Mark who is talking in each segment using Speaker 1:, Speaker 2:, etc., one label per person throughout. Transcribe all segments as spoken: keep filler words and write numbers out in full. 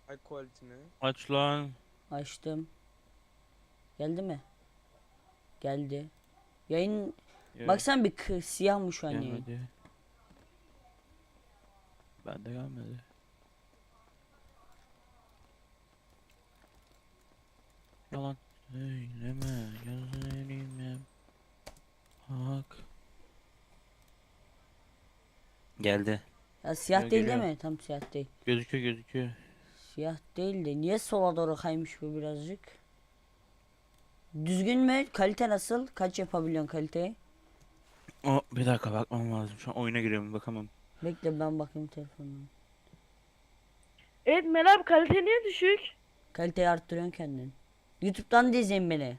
Speaker 1: High quality mi?
Speaker 2: Aç lan.
Speaker 3: Açtım. Geldi mi? Geldi. Yayın
Speaker 2: Yok,
Speaker 3: baksan bir kı- siyah mı şu an yayın?
Speaker 2: gelmedi. Bende gelmedi. Yalan söyleme gözlerime bak. Geldi.
Speaker 3: Ya siyah
Speaker 2: Yok,
Speaker 3: değil değil
Speaker 2: geliyor.
Speaker 3: mi? Tam siyah değil.
Speaker 2: Gözüküyor gözüküyor.
Speaker 3: Siyah değil de niye sola doğru kaymış bu birazcık? Düzgün mü? Kalite nasıl? Kaç yapabiliyorsun kaliteyi?
Speaker 2: O bir dakika bakmam lazım. Şu an oyuna giriyorum bakamam.
Speaker 3: Bekle ben bakayım telefonuma.
Speaker 4: Evet Mel abi kalite niye düşük?
Speaker 3: Kaliteyi arttırıyorsun kendin. YouTube'dan da izleyin beni.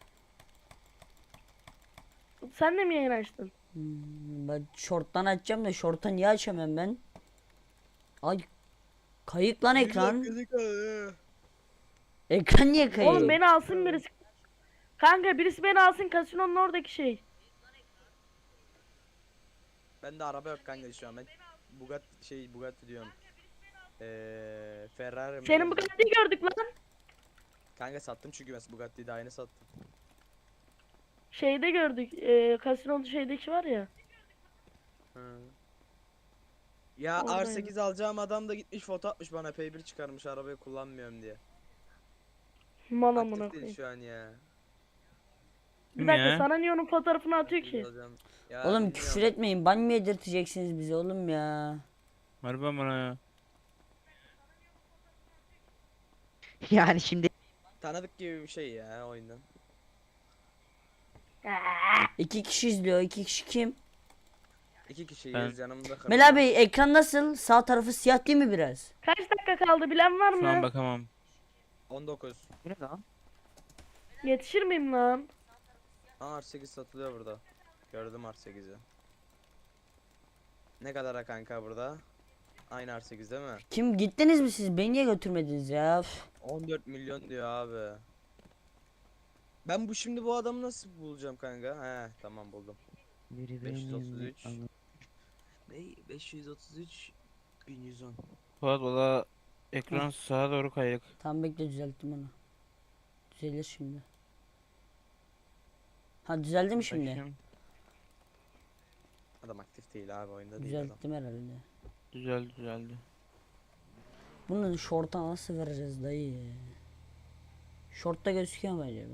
Speaker 4: Sen de mi yayın açtın?
Speaker 3: Hmm, ben short'tan açacağım da short'tan niye açamıyorum ben? Ay kayık lan ekran. Ekran niye kayık?
Speaker 4: Oğlum beni alsın birisi. Kanka birisi beni alsın kasinonun oradaki şey.
Speaker 1: Bende araba yok kanka şu an. Ben Bugatti şey Bugatti diyorum. Eee Ferrari mi?
Speaker 4: Senin bu Bugatti'yi gördük lan.
Speaker 1: Kanka sattım çünkü ben Bugatti'yi daha yeni sattım.
Speaker 4: Şeyde gördük. E, kasinonun şeydeki var ya.
Speaker 1: Hı. Ya
Speaker 4: Oradaydı.
Speaker 1: R sekiz alacağım adam da gitmiş foto atmış bana P bir çıkarmış arabayı kullanmıyorum diye.
Speaker 4: Man amına
Speaker 1: Aktif değil
Speaker 4: koyayım.
Speaker 1: şu an ya.
Speaker 4: Bir
Speaker 2: Kim
Speaker 4: dakika
Speaker 2: ya?
Speaker 4: sana niye onun fotoğrafını atıyor
Speaker 1: sekiz
Speaker 4: ki?
Speaker 1: alacağım. Ya
Speaker 3: Oğlum küfür
Speaker 1: bilmiyorum.
Speaker 3: etmeyin. Ban mı yedirteceksiniz bize oğlum ya?
Speaker 2: Harbi bana ya.
Speaker 5: Yani şimdi
Speaker 1: Tanıdık gibi bir şey ya oyundan.
Speaker 3: İki kişi izliyor. İki kişi kim?
Speaker 1: İki kişi
Speaker 2: Ben-
Speaker 1: yüz yanımda kalıyor.
Speaker 3: Mela Bey ekran nasıl? Sağ tarafı siyah değil mi biraz?
Speaker 4: Kaç dakika kaldı bilen var
Speaker 2: Şu an
Speaker 4: mı?
Speaker 2: bakamam.
Speaker 1: on dokuz.
Speaker 5: bu ne lan?
Speaker 4: Yetişir miyim lan?
Speaker 1: Aa R sekiz satılıyor burada. Gördüm R sekizi. Ne kadara kanka burada? Aynı R sekiz değil mi?
Speaker 3: Kim gittiniz mi siz? Beni niye götürmediniz ya? Üf.
Speaker 1: on dört milyon diyor abi. Ben bu şimdi bu adamı nasıl bulacağım kanka? He tamam buldum.
Speaker 5: Biri
Speaker 1: beş yüz otuz
Speaker 5: benimle
Speaker 1: üç.
Speaker 5: anı-
Speaker 1: Ne? beş yüz otuz üç bin yüz on.
Speaker 2: Fuat valla ekran sağa doğru kayık.
Speaker 3: Tam bekle düzelttim onu. Düzelir şimdi. Ha düzeldi mi şimdi?
Speaker 2: Bakayım.
Speaker 1: Adam aktif değil abi oyunda değil adam.
Speaker 3: Düzelttim herhalde.
Speaker 2: Düzeldi düzeldi.
Speaker 3: Bunu short'a nasıl vereceğiz dayı? Short'ta gözüküyor mu acaba?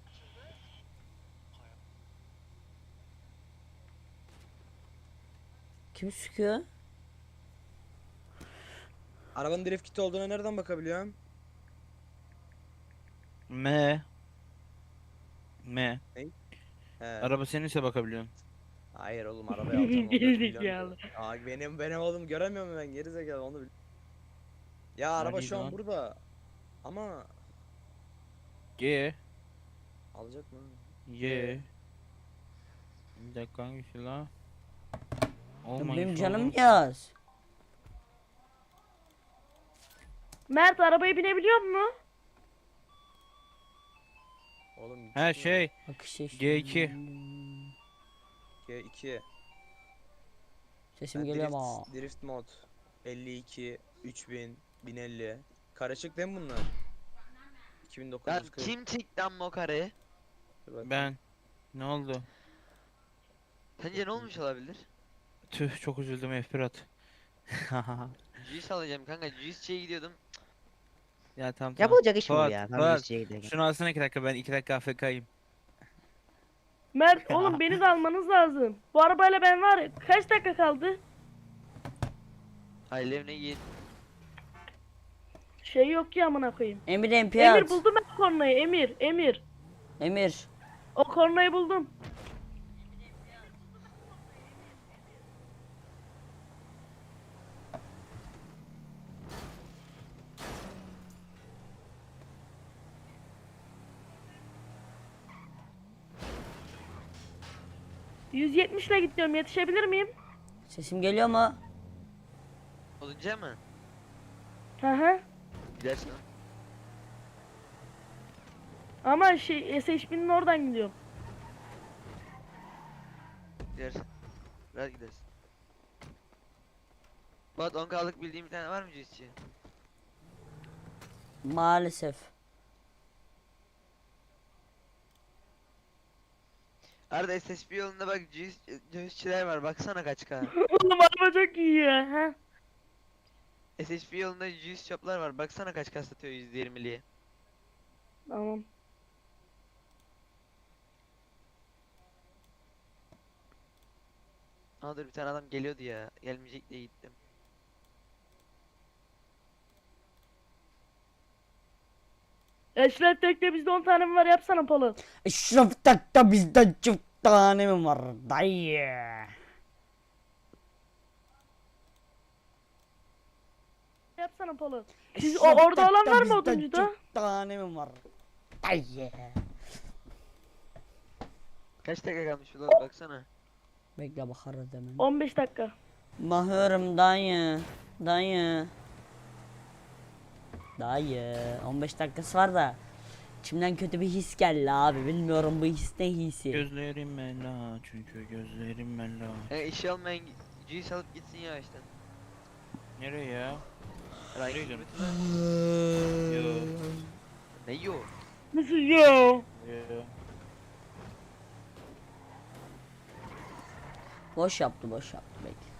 Speaker 3: Kim sıkıyor?
Speaker 1: Arabanın drift kiti olduğuna nereden bakabiliyorum?
Speaker 2: M. M.
Speaker 1: He.
Speaker 2: Araba seninse bakabiliyorsun.
Speaker 1: Hayır oğlum arabayı alacağım on dört
Speaker 4: Gerizekalı.
Speaker 1: milyon diyor. Aa benim benim oğlum göremiyor mu ben gerizekalı onu bil. Ya araba
Speaker 2: Hadi
Speaker 1: şu an
Speaker 2: lan.
Speaker 1: burada. Ama
Speaker 2: G.
Speaker 1: alacak mı?
Speaker 2: Y. Bir dakika hangisi la?
Speaker 3: Ya
Speaker 2: Olmayın
Speaker 3: benim
Speaker 2: şu
Speaker 3: canım
Speaker 2: oğlum.
Speaker 3: yaz.
Speaker 4: Mert arabaya binebiliyor mu?
Speaker 1: Oğlum
Speaker 2: He
Speaker 1: çıkmıyor.
Speaker 2: şey.
Speaker 3: Bak işte
Speaker 2: G iki.
Speaker 1: G iki.
Speaker 3: Sesim
Speaker 1: Ha,
Speaker 3: geliyor
Speaker 1: drift,
Speaker 3: ama.
Speaker 1: drift mod elli iki, üç bin, bin elli. Karışık değil mi bunlar?
Speaker 5: Lan
Speaker 1: iki bin dokuz yüz kırk.
Speaker 5: kim çekti amma o kareyi?
Speaker 1: Dur bakayım.
Speaker 2: Ben. Ne oldu?
Speaker 5: Sence ne olmuş olabilir?
Speaker 2: Tüh çok üzüldüm F bir at.
Speaker 5: Juice alacağım kanka. Juice'ye gidiyordum.
Speaker 2: Ya tamam tamam.
Speaker 5: Yapılacak iş mi bu
Speaker 2: Fuat,
Speaker 5: ya? Tam
Speaker 2: Fuat,
Speaker 5: Juice'ye giderken.
Speaker 2: şunu alsana iki dakika ben iki dakika A F K'yim.
Speaker 4: Mert oğlum beni de almanız lazım. Bu arabayla ben var ya kaç dakika kaldı?
Speaker 5: Hayır evine git.
Speaker 4: Şey yok ki amına koyayım.
Speaker 3: Emir M P
Speaker 4: Emir
Speaker 3: at.
Speaker 4: buldum ben kornayı Emir Emir.
Speaker 3: Emir.
Speaker 4: O kornayı buldum. yüz yetmiş ile gidiyorum yetişebilir miyim?
Speaker 3: Sesim geliyor mu?
Speaker 5: Olunca mı?
Speaker 4: Hı hı.
Speaker 5: Gidersin. ha.
Speaker 4: Ama şey S H B'nin oradan gidiyorum.
Speaker 5: Gidersin. Biraz gidersin. Bak on kalık bildiğim bir tane var mı Juice'ci?
Speaker 3: Maalesef.
Speaker 5: Arada S S B yolunda bak cüz, cüzçiler var baksana kaç k.
Speaker 4: Oğlum araba çok iyi ya. Ha?
Speaker 5: S S B yolunda cüz shoplar var baksana kaç k satıyor yüzde yirmiliye.
Speaker 4: Tamam.
Speaker 5: Aa dur bir tane adam geliyordu ya. Gelmeyecek diye gittim.
Speaker 4: Eşref Tek'te bizde on tane mi var yapsana Polo.
Speaker 3: Eşref Tek'te bizde çift tane mi var dayı?
Speaker 4: Yapsana Polo. Siz o,
Speaker 3: Eşref
Speaker 4: orada olan
Speaker 3: Tek'te
Speaker 4: var mı
Speaker 3: bizde
Speaker 4: oduncuda?
Speaker 3: çift tane mi var dayı?
Speaker 5: Kaç dakika kalmış ulan baksana.
Speaker 3: Bekle bakarız hemen.
Speaker 4: on beş dakika.
Speaker 3: Mahıyorum dayı. Dayı. Dayı. on beş dakikası var da. İçimden kötü bir his geldi abi. Bilmiyorum bu his ne hissi.
Speaker 2: Gözlerim mela çünkü gözlerim mela.
Speaker 5: E işi olmayan cüz alıp gitsin ya işte.
Speaker 2: Nereye ya?
Speaker 5: Rank
Speaker 2: Nereye gidiyorsun?
Speaker 5: limited var.
Speaker 2: Yo.
Speaker 5: Ne yo?
Speaker 4: Nasıl yo?
Speaker 2: Yo.
Speaker 3: Boş yaptı boş yaptı bekle.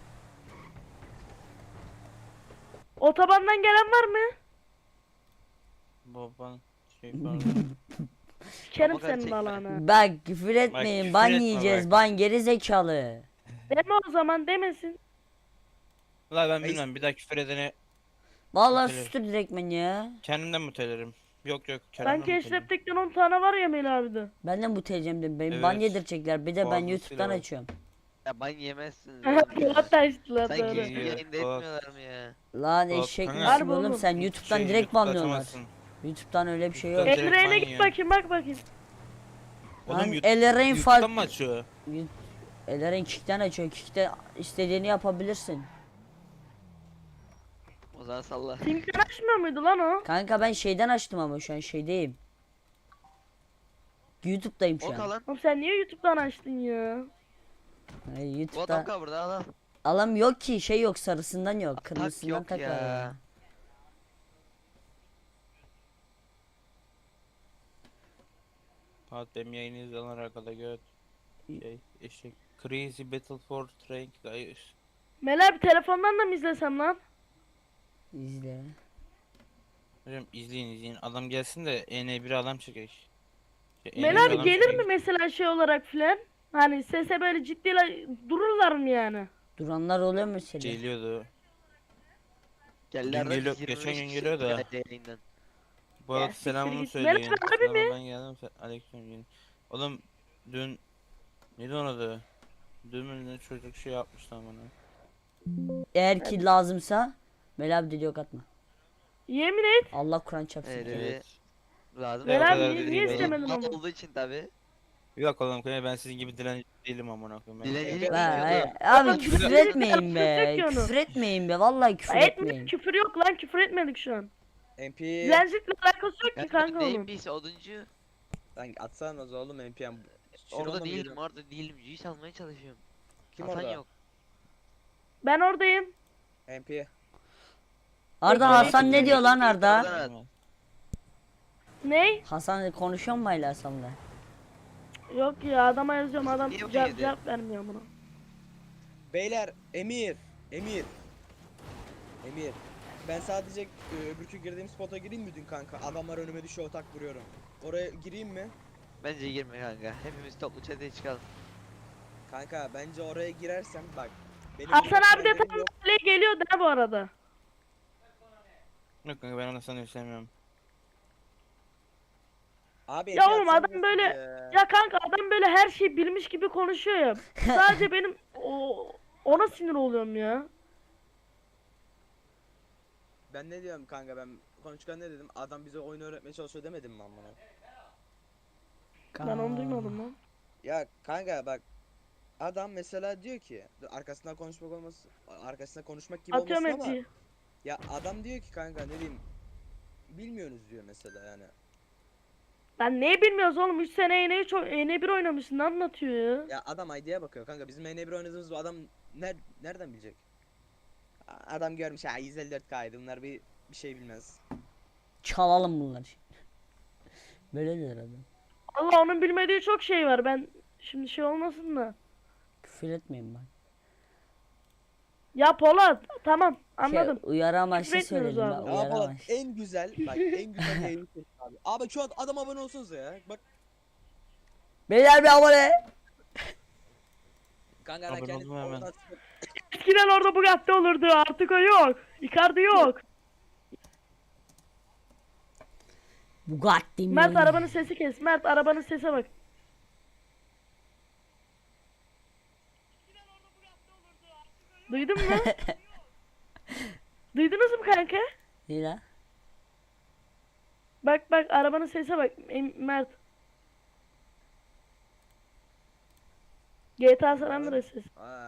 Speaker 4: Otobandan gelen var mı?
Speaker 2: Baban şey falan.
Speaker 4: Sikerim
Speaker 5: Ama
Speaker 4: senin
Speaker 5: gerçekten.
Speaker 4: balağını.
Speaker 3: Bak küfür etmeyin
Speaker 2: küfür
Speaker 3: ban
Speaker 2: etme
Speaker 3: yiyeceğiz
Speaker 2: bak.
Speaker 3: ban geri zekalı.
Speaker 4: Deme o zaman demesin.
Speaker 2: Ulan ben
Speaker 1: Ay-
Speaker 2: bilmem bir daha küfür edene
Speaker 3: Vallahi
Speaker 2: Mutele.
Speaker 3: sustur direkt beni ya.
Speaker 2: kendimden mutelerim. Yok yok kendimden
Speaker 4: Sanki
Speaker 2: mutelerim.
Speaker 4: Eşref Tek'ten on tane var ya Melih abi de.
Speaker 3: Benden bu teyzem benim ban
Speaker 2: Evet.
Speaker 3: yedirecekler bir de ben
Speaker 2: Fazlasıyla
Speaker 3: YouTube'dan
Speaker 2: var.
Speaker 3: açıyorum.
Speaker 5: Ya ban yemezsiniz.
Speaker 4: Aha
Speaker 5: oğlum ya.
Speaker 4: Polat da açtılar
Speaker 5: Sanki
Speaker 4: doğru.
Speaker 2: iyi.
Speaker 5: yayında
Speaker 2: Polat.
Speaker 5: etmiyorlar mı ya?
Speaker 3: Lan
Speaker 2: Bak,
Speaker 3: eşek
Speaker 2: kanka.
Speaker 3: misin
Speaker 4: Harbi
Speaker 3: oğlum
Speaker 4: oğlum.
Speaker 3: sen YouTube'dan
Speaker 2: Şey,
Speaker 3: direkt
Speaker 2: YouTube'da
Speaker 3: banlıyorlar.
Speaker 2: atamazsın.
Speaker 3: YouTube'dan öyle bir şey yok.
Speaker 2: YouTube'dan- direkt
Speaker 4: Elre'ne
Speaker 2: ban
Speaker 4: git
Speaker 2: yiyor.
Speaker 4: bakayım bak bakayım.
Speaker 2: Oğlum
Speaker 3: Lan
Speaker 2: YouTube-
Speaker 3: Eleren
Speaker 2: YouTube'dan
Speaker 3: fark...
Speaker 2: mı açıyor?
Speaker 3: Eleren kickten açıyor. Kickte istediğini yapabilirsin.
Speaker 5: O zaman salla.
Speaker 4: Sinkten açmıyor muydu lan o?
Speaker 3: Kanka ben şeyden açtım ama şu an şeydeyim. YouTube'dayım şu
Speaker 5: O
Speaker 3: an.
Speaker 5: kalan.
Speaker 4: Oğlum sen niye YouTube'dan açtın ya?
Speaker 3: Hayır,
Speaker 5: Bu
Speaker 3: YouTube'da
Speaker 5: adam kal burada al al.
Speaker 3: alam yok ki şey yok sarısından yok
Speaker 5: Tak
Speaker 3: kırmızısından
Speaker 5: yok
Speaker 3: tak var
Speaker 5: ya.
Speaker 3: ya.
Speaker 2: Fuat benim yayını izleyenler arkada göt. Şey eşek. Crazy Battle for Train Guys.
Speaker 4: Melih abi telefondan da mı izlesem lan?
Speaker 3: İzle.
Speaker 2: Hocam izleyin izleyin. Adam gelsin de E N bir adam çekek. Şey,
Speaker 4: Melih
Speaker 2: N N bir
Speaker 4: abi
Speaker 2: adam
Speaker 4: gelir
Speaker 2: çekek.
Speaker 4: mi mesela şey olarak filan? Hani sese böyle ciddi dururlar mı yani?
Speaker 3: Duranlar oluyor mesela.
Speaker 2: Geliyordu.
Speaker 5: Geldiler
Speaker 2: Dün geliyor-
Speaker 5: yirmi
Speaker 2: geçen
Speaker 5: beş
Speaker 2: gün
Speaker 5: kişi
Speaker 2: geliyor da.
Speaker 5: geldi yayından.
Speaker 2: Bu arada
Speaker 4: Ya, siktir
Speaker 2: selamımı
Speaker 4: git.
Speaker 2: söyleyin.
Speaker 4: Merhaba, harbi
Speaker 2: Sonra
Speaker 4: mi?
Speaker 2: ben geldim. se- Aleykümselam. Oğlum dün neydi onun adı? Dün mü ne çocuk şey yapmıştı amına.
Speaker 3: Eğer ki lazımsa Melih abi dedi yok atma.
Speaker 4: Yemin et.
Speaker 3: Allah Kur'an çarpsın.
Speaker 5: Evet,
Speaker 2: Evet.
Speaker 5: evet. Lazım.
Speaker 2: Evet,
Speaker 4: Melih
Speaker 2: o
Speaker 4: abi
Speaker 2: kadar
Speaker 4: niye,
Speaker 2: da
Speaker 4: niye
Speaker 2: değil
Speaker 4: istemedin
Speaker 5: Mal
Speaker 4: onu?
Speaker 5: olduğu için tabi.
Speaker 2: Yok oğlum kanka ben sizin gibi dilenci değilim amına koyayım. Ben-
Speaker 5: Dilencilik
Speaker 3: Be,
Speaker 5: yapıyordu.
Speaker 3: abi
Speaker 4: Oğlum,
Speaker 3: küfür
Speaker 4: küfür
Speaker 3: etmeyin be.
Speaker 4: etmiyor ki onu.
Speaker 3: Küfür etmeyin be. Vallahi küfür
Speaker 4: Etmedik
Speaker 3: etmeyin.
Speaker 4: küfür yok lan küfür etmedik şu an.
Speaker 1: M P.
Speaker 4: Dilencilikle alakası yok ki kanka
Speaker 5: Neyim
Speaker 4: onun.
Speaker 5: biz oduncu.
Speaker 1: Lan atsana oğlum M P M.
Speaker 5: Orada değilim orada değilim. Cüz almaya çalışıyorum.
Speaker 1: Kim
Speaker 5: Hasan
Speaker 1: orada?
Speaker 5: yok.
Speaker 4: Ben oradayım.
Speaker 1: M P.
Speaker 3: Arda
Speaker 4: Yok,
Speaker 3: Hasan ne diyor lan Arda?
Speaker 5: Oradan-
Speaker 4: Ney?
Speaker 3: Hasan konuşuyor mu Hala Hasan'la?
Speaker 4: Yok ya adama yazıyorum adam
Speaker 5: Niye bu
Speaker 4: cevap,
Speaker 5: yedi?
Speaker 4: cevap vermiyor buna.
Speaker 1: Beyler Emir. Emir. Emir. Ben sadece e, öbürkü girdiğim spota gireyim mi dün kanka? Adamlar önüme düşüyor otak vuruyorum. Oraya gireyim mi?
Speaker 5: Bence girme kanka. Hepimiz toplu çeteye çıkalım.
Speaker 1: Kanka bence oraya girersem bak. Benim
Speaker 4: Hasan
Speaker 1: öyle
Speaker 4: abi de
Speaker 1: frenlerim
Speaker 4: tam
Speaker 1: yok.
Speaker 4: böyle geliyor da bu arada.
Speaker 2: Yok kanka ben onu sana istemiyorum.
Speaker 1: Abi
Speaker 4: Ya
Speaker 1: M P
Speaker 4: oğlum,
Speaker 1: atsana
Speaker 4: adam
Speaker 1: nasıl
Speaker 4: böyle-
Speaker 1: ya?
Speaker 4: Ya kanka adam böyle her şeyi bilmiş gibi konuşuyor ya. Sadece benim o, ona sinir oluyorum ya.
Speaker 1: Ben ne diyorum kanka ben konuşurken ne dedim? Adam bize oyun öğretmeye çalışıyor demedim mi amına?
Speaker 4: Ben onu duymadım lan.
Speaker 1: Ya kanka bak adam mesela diyor ki arkasından konuşmak olması arkasından konuşmak gibi
Speaker 4: Atıyorum
Speaker 1: olmasın ama
Speaker 4: hepsi.
Speaker 1: ya adam diyor ki kanka ne diyeyim bilmiyorsunuz diyor mesela yani.
Speaker 4: Ben ne bilmiyoruz oğlum üç sene E N üç oy- E N bir oynamışsın ne anlatıyor ya?
Speaker 1: Ya adam I D'ye bakıyor kanka bizim N bir oynadığımız bu adam ner nereden bilecek? A- Adam görmüş ha yüz elli dört K'ydı bunlar bir bir şey bilmez.
Speaker 3: çalalım bunları. Böyle der adam.
Speaker 4: Allah onun bilmediği çok şey var. Ben şimdi şey olmasın da.
Speaker 3: Küfür etmeyin bak.
Speaker 4: Ya Polat tamam anladım.
Speaker 3: Şey, uyarı amaçlı
Speaker 4: Küfür etmiyoruz
Speaker 3: söyledim
Speaker 4: abi.
Speaker 3: ben.
Speaker 1: Ya
Speaker 3: Uyarı
Speaker 1: Polat
Speaker 3: amaçlı.
Speaker 1: en güzel bak en güzel yayını seç abi. Abi şu an adam abone olsanıza ya. Bak
Speaker 3: Beyler bir abone.
Speaker 1: kanka ben
Speaker 2: Abone
Speaker 1: kendim
Speaker 2: oldum hemen.
Speaker 1: oradan-
Speaker 4: Eskiden orada Bugatti olurdu artık o yok. Icardi yok.
Speaker 3: Bugatti mi?
Speaker 4: Mert arabanın sesi kes. Mert arabanın sese bak. Duydun mu? Duydunuz mu kanka?
Speaker 3: Ne la?
Speaker 4: Bak bak arabanın sese bak Em- Mert. G T A San Andreas sesi.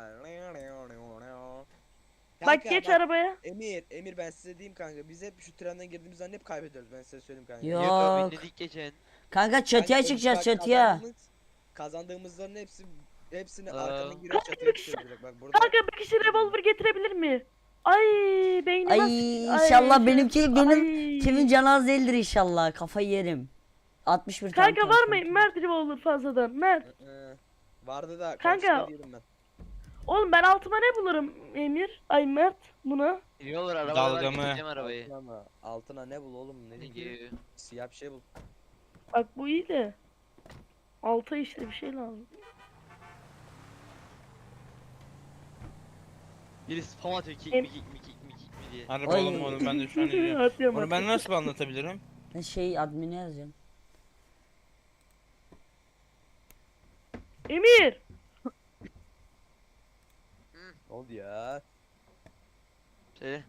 Speaker 4: Bak
Speaker 1: Kanka,
Speaker 4: geç arabaya.
Speaker 1: Emir, Emir ben size diyeyim kanka. Biz hep şu trenden girdiğimiz zaman hep kaybediyoruz. Ben size söyleyeyim kanka.
Speaker 3: Yok.
Speaker 5: Yok binledik geçen.
Speaker 3: Kanka çatıya
Speaker 1: Kanka,
Speaker 3: çıkacağız
Speaker 1: bak,
Speaker 3: çatıya.
Speaker 1: kazandığımız- Kazandığımızların hepsi hepsini
Speaker 5: Aa.
Speaker 1: arkadan girer çatıya çıkıyoruz direkt. Bak burada.
Speaker 4: Kanka bir kişi revolver getirebilir mi? Ay beynim
Speaker 3: Ay
Speaker 4: az-
Speaker 3: inşallah
Speaker 4: Ay,
Speaker 3: benimki
Speaker 4: ay.
Speaker 3: benim kimin canı az değildir inşallah. Kafayı yerim. altmış bir tane.
Speaker 4: Kanka var mı Mert revolver fazladan? Mert.
Speaker 1: Ee, vardı da
Speaker 4: Kanka.
Speaker 1: kanka diyordum ben.
Speaker 4: Oğlum ben altıma ne bulurum Emir? Ay Mert buna.
Speaker 5: İyi olur araba
Speaker 2: Dalga
Speaker 5: var
Speaker 2: mı?
Speaker 5: gideceğim arabayı.
Speaker 1: Altına mı? Altına ne bul oğlum ne
Speaker 5: Thank
Speaker 1: diyeyim?
Speaker 5: you.
Speaker 1: Siyah bir şey bul.
Speaker 4: Bak bu iyi de. Alta işte bir şey lazım.
Speaker 5: Birisi spam atıyor kick
Speaker 4: Em-
Speaker 5: mi kick mi kick mi kick mi diye.
Speaker 2: Araba
Speaker 3: Ay.
Speaker 2: oğlum onu ben de şu an ediyorum.
Speaker 4: Atıyorum
Speaker 2: Onu ben
Speaker 4: atıyorum.
Speaker 2: nasıl anlatabilirim?
Speaker 3: Ben şey admini yazacağım.
Speaker 4: Emir.
Speaker 1: Ne oldu ya?
Speaker 5: Söyle.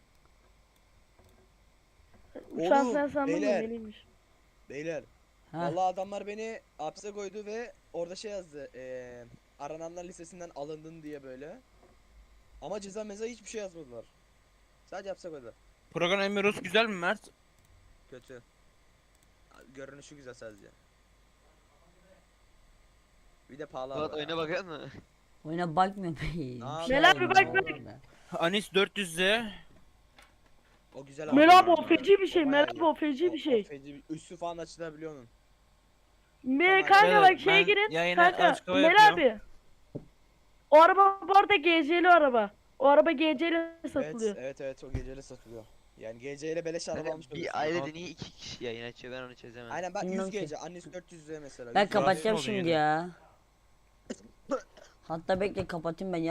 Speaker 4: Uçan
Speaker 1: Oğlum,
Speaker 4: sen sandın mı
Speaker 1: beyler.
Speaker 4: benimmiş.
Speaker 1: Beyler.
Speaker 3: Ha.
Speaker 1: Vallahi adamlar beni hapse koydu ve orada şey yazdı. Eee arananlar listesinden alındın diye böyle. Ama ceza meza hiçbir şey yazmadılar. Sadece hapse koydular.
Speaker 2: Program Emiros güzel mi Mert?
Speaker 1: Kötü. Görünüşü güzel sadece. Bir de pahalı
Speaker 5: Polat
Speaker 1: araba
Speaker 5: oyuna
Speaker 1: ya.
Speaker 5: bakar mı?
Speaker 3: Oyuna bakmıyorum. Bir
Speaker 1: yapayım?
Speaker 3: şey
Speaker 4: Mel abi
Speaker 3: oldu,
Speaker 4: bak,
Speaker 3: ne
Speaker 4: bak.
Speaker 3: oldu be?
Speaker 2: Anis dört yüz Z.
Speaker 1: O güzel
Speaker 4: Mel abi
Speaker 1: araba.
Speaker 4: o feci bir şey.
Speaker 1: O
Speaker 4: Mel
Speaker 1: bayağı
Speaker 4: abi
Speaker 1: iyi.
Speaker 4: o feci
Speaker 1: O-
Speaker 4: bir
Speaker 1: o
Speaker 4: şey.
Speaker 1: feci bir- Üstü falan açılabiliyor onun.
Speaker 4: Me
Speaker 1: Tamam,
Speaker 4: kanka
Speaker 2: beyler,
Speaker 4: bak şeye
Speaker 2: ben
Speaker 4: girin.
Speaker 2: yayına
Speaker 4: Kanka
Speaker 2: açık hava
Speaker 4: Mel
Speaker 2: yapıyorum.
Speaker 4: abi. O araba bu arada G C'li araba. O araba G C'li satılıyor.
Speaker 1: Evet, evet evet o geceyle satılıyor. Yani G C ile beleş araba
Speaker 5: Hani
Speaker 1: almış
Speaker 5: bir
Speaker 1: oluyorsun.
Speaker 5: ailede niye iki kişi yayın açıyor ben onu çözemem.
Speaker 1: Aynen bak
Speaker 3: Bilmiyorum
Speaker 1: yüz
Speaker 3: ki.
Speaker 1: gece. Annesi dört yüz lira mesela.
Speaker 3: Ben
Speaker 1: yüz lira.
Speaker 3: kapatacağım
Speaker 2: oldu
Speaker 3: şimdi
Speaker 2: yine.
Speaker 3: ya. Hatta bekle kapatayım ben.